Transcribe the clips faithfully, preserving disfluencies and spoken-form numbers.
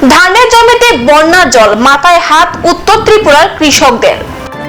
ধানের জমিতে বন্যার জল, মাথায় হাত উত্তর ত্রিপুরার কৃষকদের।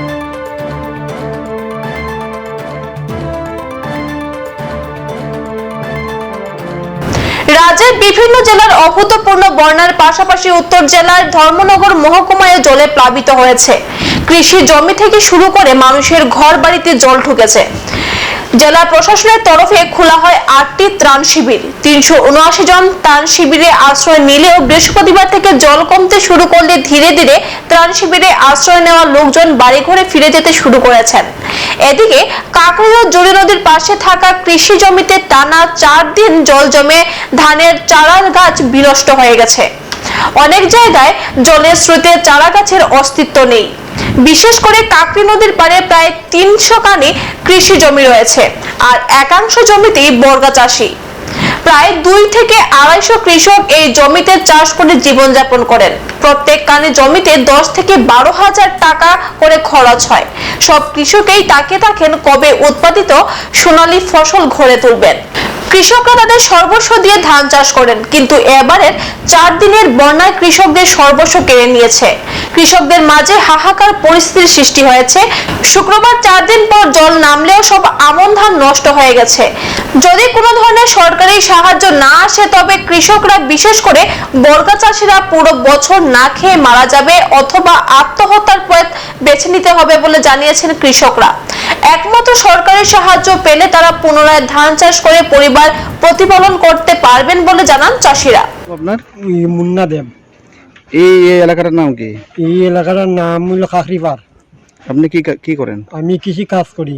রাজ্যের বিভিন্ন জেলার অভূতপূর্ণ বন্যার পাশাপাশি উত্তর জেলার ধর্মনগর মহকুমায় জলে প্লাবিত হয়েছে। কৃষি জমি থেকে শুরু করে মানুষের ঘর বাড়িতে জল ঢুকেছে। জেলা প্রশাসনের তরফে খোলা হয় আটটি ত্রাণ শিবির। তিনশো উনআশি জন ত্রাণ শিবিরে আশ্রয় নিলেও বৃহস্পতিবার থেকে জল কমতে শুরু করলে ধীরে ধীরে ত্রাণ শিবিরে আশ্রয় নেওয়া লোকজন বাড়িঘরে ফিরে যেতে শুরু করেছেন। এদিকে কাকড়িয়া জুড়ি নদীর পাশে থাকা কৃষি জমিতে টানা চার দিন জল জমে ধানের চারা গাছ বিনষ্ট হয়ে গেছে। অনেক জায়গায় জলের স্রোতে চারা গাছের অস্তিত্ব নেই। বিশেষ করে কাকড়ি নদীর পাড়ে প্রায় তিনশো কানি কৃষি জমি রয়েছে, আর একাংশ জমিতেই বর্গা চাষী। প্রায় দুই থেকে আড়াইশো কৃষক এই জমিতে চাষ করে জীবনযাপন করেন। প্রত্যেক কানি জমিতে দশ থেকে বারো হাজার টাকা করে খরচ হয়। সব কৃষকেই তাকে থাকেন কবে উৎপাদিত সোনালী ফসল ঘরে তুলবেন। কৃষকরা তাদের সর্বস্ব দিয়ে ধান চাষ করেন, কিন্তু এবারের চার দিনের বন্যায় কৃষকদের সর্বস্ব কেড়ে নিয়েছে। কৃষকদের মাঝে হাহাকার পরিস্থিতির সৃষ্টি হয়েছে। শুক্রবার চার দিন পর জল নামলেও সব আমন ধান নষ্ট হয়ে গেছে। যদি কোনো ধরনের সরকারি সাহায্য না আসে তবে কৃষকরা, বিশেষ করে বর্গা চাষিরা পুরো বছর না খেয়ে মারা যাবে অথবা আত্মহত্যার পথ বেছে নিতে হবে বলে জানিয়েছেন কৃষকরা। একমাত্র সরকারি সাহায্য পেলে তারা পুনরায় ধান চাষ করে পরিবার প্রতিপালন করতে পারবেন বলে জানান চাষিরা। আপনার মুন্না দেব। এই এলাকাটার নাম কি? এই এলাকাটার নাম হলো কাকরিপাড়। আপনি কি কি করেন? আমি কৃষি কাজ করি।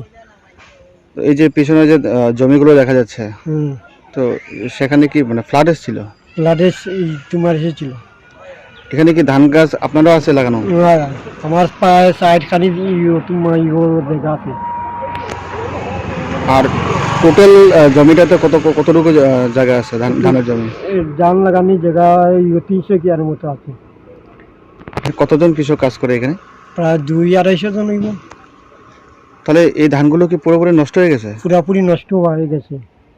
এই যে পিছনে যে জমিগুলো দেখা যাচ্ছে, হুম, তো সেখানে কি মানে ফ্লাড এসেছিল? ফ্লাড তোমার এসেছিল। এখানে কি ধান গাছ আপনারও আছে লাগানো? আমার প্রায় সাইড খানি তোমার জায়গা আছে। আর টোটাল জমিটাতে কত কতটুকু জায়গা আছে ধান ধানের জমি? ধান লাগানি জায়গা তিনশো কিয়ার মতো আছে। কতজন কৃষক কাজ করে এখানে? প্রায় দুই আড়াইশো জন হইব। তাহলে এই ধানগুলো কি পুরোপুরি নষ্ট হয়ে গেছে? পুরোপুরি নষ্ট হয়ে গেছে।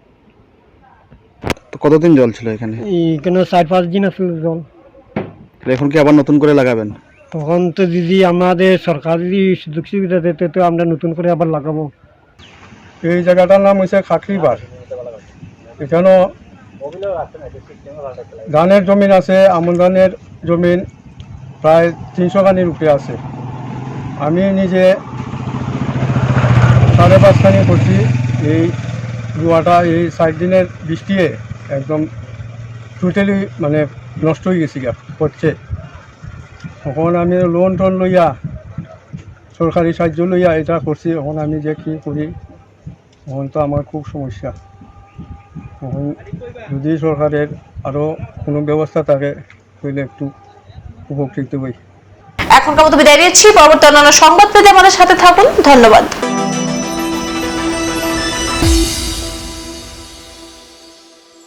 তো কতদিন জল ছিল এখানে? এখানে চার পাঁচ দিন আসলে জল। এখন কি আবার নতুন করে লাগাবেন? তখন তো দিদি আমাদের সরকার যদি সুযোগ সুবিধা দিতে তো আমরা নতুন করে আবার লাগাবো। এই জায়গাটার নাম হচ্ছে কাকরিপাড়। এখানেও ধানের জমিন আছে, আমন ধানের জমিন প্রায় তিনশো খানির উপরে আছে। আমি নিজে সাড়ে পাঁচখানি করছি। এই রুয়াটা এই চার দিনের বৃষ্টিয়ে একদম টোটালি মানে নষ্ট হয়ে গেছি গা করছে। তখন আমি লোন টোন লইয়া, সরকারি সাহায্য লইয়া এটা করছি। এখন আমি যে কী করি, এখন তো আমার খুব সমস্যা। এখন যদি সরকারের আরও কোনো ব্যবস্থা থাকে তাহলে একটু উপকৃত হই। এখনকার মতো বিদায় নিচ্ছি। পরবর্তী অন্যান্য সংবাদ পেতে আমাদের সাথে থাকুন। ধন্যবাদ।